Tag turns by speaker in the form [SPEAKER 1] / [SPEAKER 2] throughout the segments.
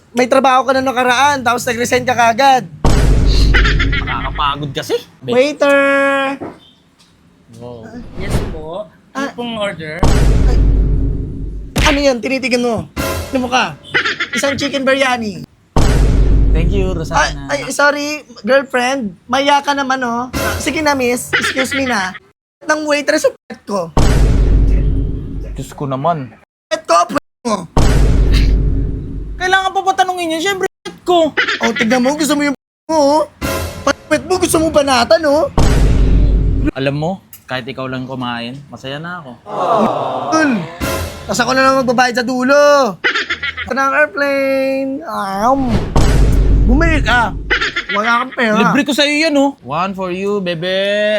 [SPEAKER 1] may trabaho ka na nakaraan, tapos nag-resign ka kagad.
[SPEAKER 2] Nakakapagod kasi.
[SPEAKER 1] Waiter!
[SPEAKER 2] Wow.
[SPEAKER 3] Yes po. Ano pong order?
[SPEAKER 1] Ano yan? Tinitigan mo. Ano mo ka? Isang chicken biryani.
[SPEAKER 2] Thank you, Rosana.
[SPEAKER 1] Sorry, girlfriend. Maya ka naman, oh. Sige na, miss. Excuse me na. Nang waitress sa pet ko.
[SPEAKER 2] Diyos ko naman.
[SPEAKER 1] Pet ko, mo.
[SPEAKER 2] Kailangan pa ba tanungin yun? Siyempre, ko.
[SPEAKER 1] Oh, tignan mo. Gusto mo yung mo, oh. Pet mo, gusto mo banatan, oh.
[SPEAKER 2] Alam mo, kahit ikaw lang kumain, masaya na ako.
[SPEAKER 1] Tol. Tapos ako na lang magbabayad sa dulo. Ito na ang airplane. Bumili ka. Wala kang pera.
[SPEAKER 2] Libre ko sa'yo yan, oh. One for you, bebe.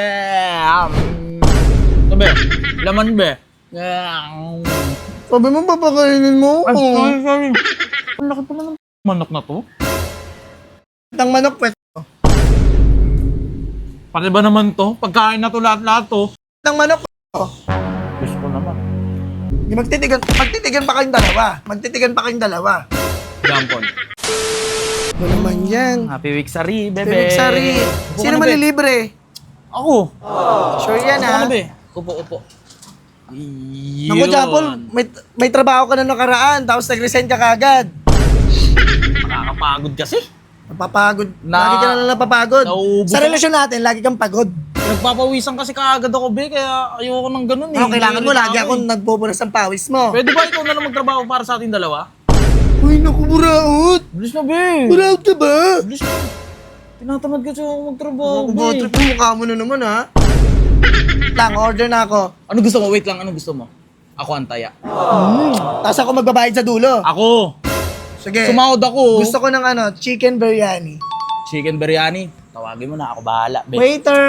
[SPEAKER 2] Sabi, laman, be.
[SPEAKER 1] Sabi mo, papakainin mo.
[SPEAKER 2] Ay, sorry. Ang laki pa naman manok na to.
[SPEAKER 1] Ang manok, pet.
[SPEAKER 2] Pati ba naman to? Pagkain na to lahat-lahat to.
[SPEAKER 1] Ang manok.
[SPEAKER 2] Diyos ko naman.
[SPEAKER 1] Magtitigan pa kayong dalawa. Magtitigan pa kayong dalawa.
[SPEAKER 2] Jampon.
[SPEAKER 1] Ano naman yan?
[SPEAKER 2] Happy week, Sari, bebe.
[SPEAKER 1] Bebek Sari.
[SPEAKER 2] Upo
[SPEAKER 1] Sino
[SPEAKER 2] ka na, be.
[SPEAKER 1] malilibre?
[SPEAKER 2] Ako.
[SPEAKER 1] Sure yan,
[SPEAKER 2] Upo
[SPEAKER 1] ha?
[SPEAKER 2] ka na, be. Upo.
[SPEAKER 1] Naku, Japol, may trabaho ka na nakaraan, tapos nag-resign ka kagad.
[SPEAKER 2] Nakakapagod kasi.
[SPEAKER 1] Napapagod. Lagi ka na lang napapagod.
[SPEAKER 2] Nauubos
[SPEAKER 1] Sa
[SPEAKER 2] ako.
[SPEAKER 1] relasyon natin, lagi kang pagod.
[SPEAKER 2] Nagpapawisan kasi kaagad ako, be. Kaya ayoko ng ganun, eh.
[SPEAKER 1] Ano, kailangan mo,
[SPEAKER 2] Hindi
[SPEAKER 1] lagi
[SPEAKER 2] ako,
[SPEAKER 1] akong nagpupunas ng pawis mo.
[SPEAKER 2] Pwede ba ikaw na lang magtrabaho para sa ating dalawa?
[SPEAKER 1] Uy, naku, buraot.
[SPEAKER 2] Bilis na, be.
[SPEAKER 1] Buraot ka ba?
[SPEAKER 2] Bilis na. Tinatamad kasi ako magtrabaho,
[SPEAKER 1] Naku,
[SPEAKER 2] be.
[SPEAKER 1] trip mo, mukha mo na naman, ha? Lang, order na ako.
[SPEAKER 2] Ano gusto mo? Wait lang, ano gusto mo? Ako antaya.
[SPEAKER 1] Tapos ako magbabayad sa dulo.
[SPEAKER 2] Ako!
[SPEAKER 1] Sige.
[SPEAKER 2] Sumahod ako.
[SPEAKER 1] Gusto ko ng chicken biryani.
[SPEAKER 2] Chicken biryani. Tawagin mo na, ako bahala, be.
[SPEAKER 1] Waiter!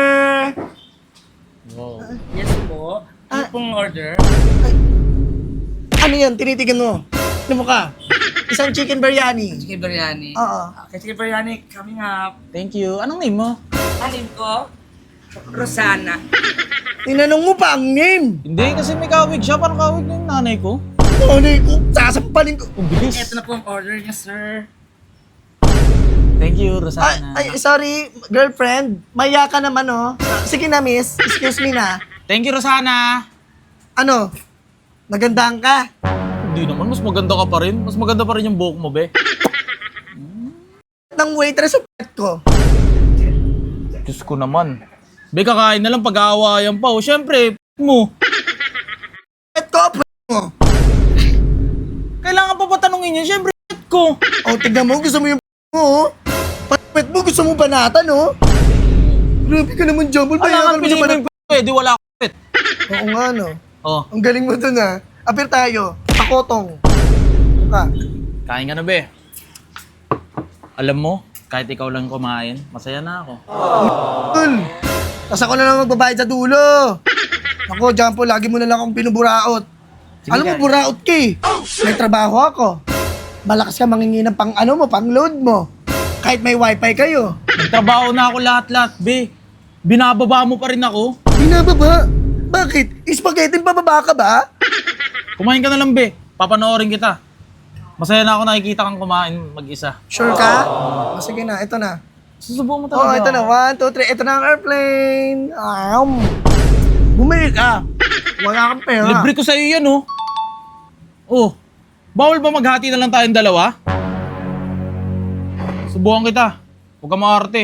[SPEAKER 2] Wow.
[SPEAKER 3] Yes po. Ano pong order?
[SPEAKER 1] Ano yan? Tinitigan mo. Ano mo ka? Isang chicken biryani.
[SPEAKER 3] Chicken biryani.
[SPEAKER 1] Oo.
[SPEAKER 3] Okay, chicken biryani coming up.
[SPEAKER 2] Thank you. Anong name mo?
[SPEAKER 3] Alin ko? Rosana.
[SPEAKER 1] Tinanong mo pa ang name.
[SPEAKER 2] Hindi, kasi may kawig siya. Parang kawig na yung nanay ko.
[SPEAKER 1] Ano ko? Sasampalin ko.
[SPEAKER 2] Ang bilis.
[SPEAKER 3] Ito na po ang order niya, sir.
[SPEAKER 2] Thank you, Rosana.
[SPEAKER 1] Sorry, girlfriend. Maya ka naman, oh. Sige na, miss. Excuse me na.
[SPEAKER 2] Thank you, Rosana.
[SPEAKER 1] Ano? Nagandahan ka?
[SPEAKER 2] Hindi naman, mas maganda ka pa rin. Mas maganda pa rin yung buhok mo, be.
[SPEAKER 1] Nang waitress sa pet ko.
[SPEAKER 2] Diyos ko naman. Be, kakain na lang pag-aawayan pa. O, syempre, mo.
[SPEAKER 1] Pet ko, pet mo.
[SPEAKER 2] Kailangan pa ba tanungin yun? Syempre, ko.
[SPEAKER 1] Oh, tignan mo. Gusto mo yung mo, oh. Pet mo, gusto mo banatan, oh. Grabe ka naman, Jumble.
[SPEAKER 2] Wala
[SPEAKER 1] Bayaran
[SPEAKER 2] kang
[SPEAKER 1] mo
[SPEAKER 2] piliin
[SPEAKER 1] naman.
[SPEAKER 2] mo yung pwede, wala akong pet.
[SPEAKER 1] Oo nga, no.
[SPEAKER 2] Oh,
[SPEAKER 1] Ang galing mo dun, ha. Apir tayo. Pakotong. Ka.
[SPEAKER 2] kain ka na, be. Alam mo, kahit ikaw lang kumain, masaya na ako.
[SPEAKER 1] Tol. Tapos ako na lang magbabayad sa dulo. Ako, Jumbo, lagi mo na lang akong pinuburaot.
[SPEAKER 2] Sige,
[SPEAKER 1] Alam mo,
[SPEAKER 2] kain.
[SPEAKER 1] buraot ka eh. May trabaho ako. Malakas ka mangingi ng pang pang load mo. Kahit may wifi kayo.
[SPEAKER 2] Nagtrabaho na ako lahat-lahat, be. Binababa mo pa rin ako.
[SPEAKER 1] Binababa? Bakit? Spaghetti pababa ka ba?
[SPEAKER 2] Kumain ka na lang, be. Papanoorin kita. Masaya na ako nakikita kang kumain mag-isa.
[SPEAKER 1] Sure ka? O, sige na, ito na.
[SPEAKER 2] Susubukan mo
[SPEAKER 1] Oh,
[SPEAKER 2] talaga.
[SPEAKER 1] ito na. 1, 2, 3. Ito na ang airplane. Bumili ka. Wala kang pera.
[SPEAKER 2] Libre ko sa'yo yan, oh. Oh, bawal ba maghati na lang tayong dalawa? Subukan kita. Huwag ka maarte.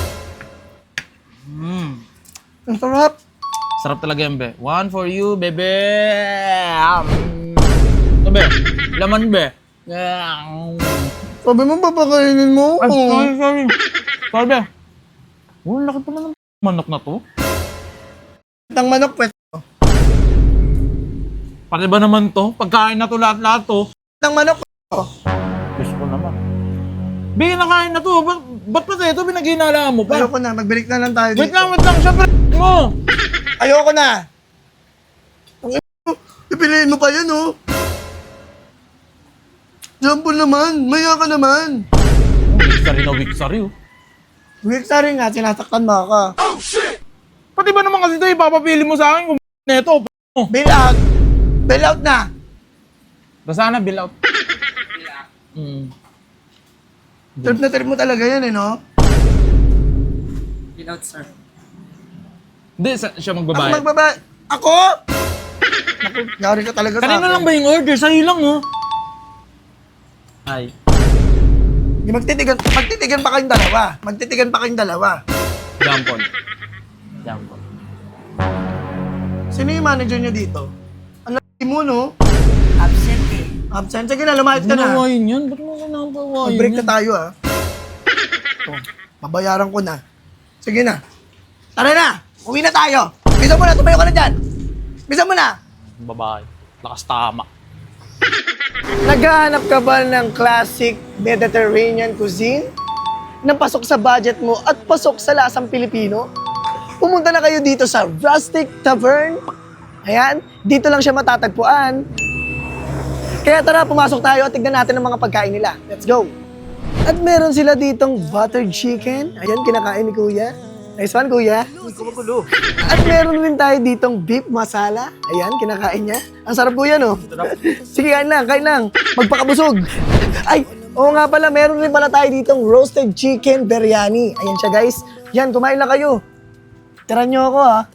[SPEAKER 1] Ang sarap.
[SPEAKER 2] Sarap talaga yan, be. One for you, bebe. Ito, be. Laman, be.
[SPEAKER 1] Sabi mo, papakainin mo.
[SPEAKER 2] Ay, sorry. Sorry, be. Oh, laki pa naman manok na to.
[SPEAKER 1] Ang manok, pet.
[SPEAKER 2] Pati ba naman to? Pagkain na to lahat-lahat to.
[SPEAKER 1] Ang manok.
[SPEAKER 2] Gusto ko naman. Be, nakain na to. Ba't pa ito pinaghinala mo pa?
[SPEAKER 1] Ayoko na. Magbalik na lang tayo
[SPEAKER 2] Wait
[SPEAKER 1] dito.
[SPEAKER 2] lang. Siyempre, mo.
[SPEAKER 1] Ayoko na. Pipiliin mo pa yan, oh. Jumbo naman. Maya ka naman.
[SPEAKER 2] Weak sorry, oh.
[SPEAKER 1] Weak sa rin nga. Sinasaktan mo ako.
[SPEAKER 2] Pati ba naman kasi ito, ipapapili mo sa akin kung neto.
[SPEAKER 1] Bail out. Bail out na.
[SPEAKER 2] Basta na, bill out.
[SPEAKER 1] Trip na trip mo talaga yan, no?
[SPEAKER 3] Without, sir.
[SPEAKER 2] Hindi, siya
[SPEAKER 1] Ako
[SPEAKER 2] magbabayad.
[SPEAKER 1] magbabayad. Ako? Naku, yari ka talaga sa
[SPEAKER 2] Kanina
[SPEAKER 1] akin.
[SPEAKER 2] lang ba yung order? Sa'yo lang, oh. Ay.
[SPEAKER 1] Magtitigan pa kayong dalawa. Magtitigan pa kayong dalawa.
[SPEAKER 2] Jampon. Jampon.
[SPEAKER 1] Sino yung manager nyo dito? Ang laki mo, no?
[SPEAKER 3] Absent eh.
[SPEAKER 1] Absent. Sige na, lumayas ka
[SPEAKER 2] Ba't mo
[SPEAKER 1] na.
[SPEAKER 2] nawain yan? Ba't mo nawain
[SPEAKER 1] Mag-break
[SPEAKER 2] yan?
[SPEAKER 1] na tayo, ah. Oh, babayaran ko na. Sige na. Tara na! Uwi na tayo! Bisa mo na, tumayo ka na dyan! Bisa mo na!
[SPEAKER 2] Babae. Lakas tama.
[SPEAKER 1] Naghahanap ka ba ng classic Mediterranean cuisine? Na pasok sa budget mo at pasok sa lasang Pilipino? Pumunta na kayo dito sa Rustic Tavern. Ayan, dito lang siya matatagpuan. Kaya tara, pumasok tayo at tignan natin ang mga pagkain nila. Let's go! At meron sila ditong buttered chicken. Ayan, kinakain ni Kuya. Nice one, Kuya. At meron rin tayo ditong beef masala. Ayan, kinakain niya. Ang sarap, Kuya, no? Sige, kain lang, kain lang. Magpakabusog. Ay, oo nga pala, meron rin pala tayo ditong roasted chicken biryani. Ayan siya, guys. Yan, kumain lang kayo. Tira niyo ako, ha.